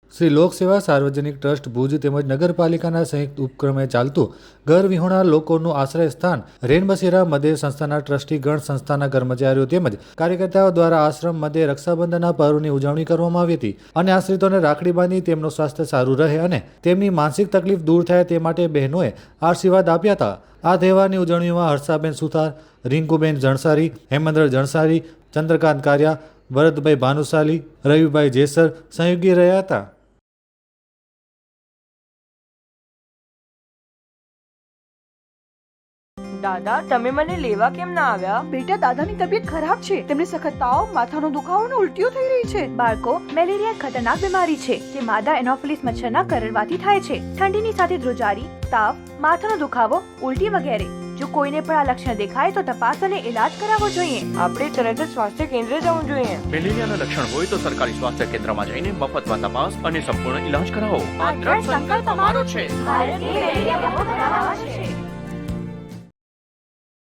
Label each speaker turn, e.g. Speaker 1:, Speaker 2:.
Speaker 1: શ્રી લોકસેવા સાર્વજનિક ટ્રસ્ટ ભુજ તેમજ નગરપાલિકાના સંયુક્ત ઉપક્રમે ચાલતું ઘર વિહોણા લોકોનું આશ્રય સ્થાન રેનબસેરા મધ્યે સંસ્થાના ટ્રસ્ટીગણ, સંસ્થાના કર્મચારીઓ તેમજ કાર્યકર્તાઓ દ્વારા આશ્રમ મધ્યે રક્ષાબંધનના પર્વની ઉજવણી કરવામાં આવી હતી અને આશ્રિતોને રાખડી બાંધી તેમનું સ્વાસ્થ્ય સારું રહે અને તેમની માનસિક તકલીફ દૂર થાય તે માટે બહેનોએ આશીર્વાદ આપ્યા હતા। આ તહેવારની ઉજવણીમાં હર્ષાબેન સુથાર, રિંકુબેન જણસારી, હેમેન્દ્ર જણસારી, ચંદ્રકાંત કારિયા, ભરતભાઈ ભાનુશાલી, રવિભાઈ જેસર સહયોગી રહ્યા હતા।
Speaker 2: દાદા, તમે મને લેવા કેમ ના આવ્યા?
Speaker 3: બેટા, દાદાની તબિયત ખરાબ છે। તેમને સખત તાવ, માથાનો દુખાવો અને ઉલટીઓ થઈ રહી છે।
Speaker 4: બાળકો, મેલેરિયા ખતરનાક બીમારી છે જે માદા એનોફિલિસ મચ્છરના કરડવાથી થાય છે। ઠંડીની સાથે ધ્રુજારી, તાવ, માથાનો દુખાવો, ઉલટી વગેરે। જો કોઈને પણ આ લક્ષણ દેખાય તો તપાસ અને ઇલાજ કરાવવો જોઈએ।
Speaker 2: આપણે તરત જ સ્વાસ્થ્ય કેન્દ્ર જવું જોઈએ।
Speaker 5: મેલેરિયાના લક્ષણ હોય તો સરકારી સ્વાસ્થ્ય કેન્દ્રમાં જઈને મફતમાં તપાસ અને સંપૂર્ણ ઇલાજ કરાવો।
Speaker 4: આ દ્રઢ સંકલ્પ અમારો છે। ભારતની મેલેરિયા મુક્ત બનાવવા છે।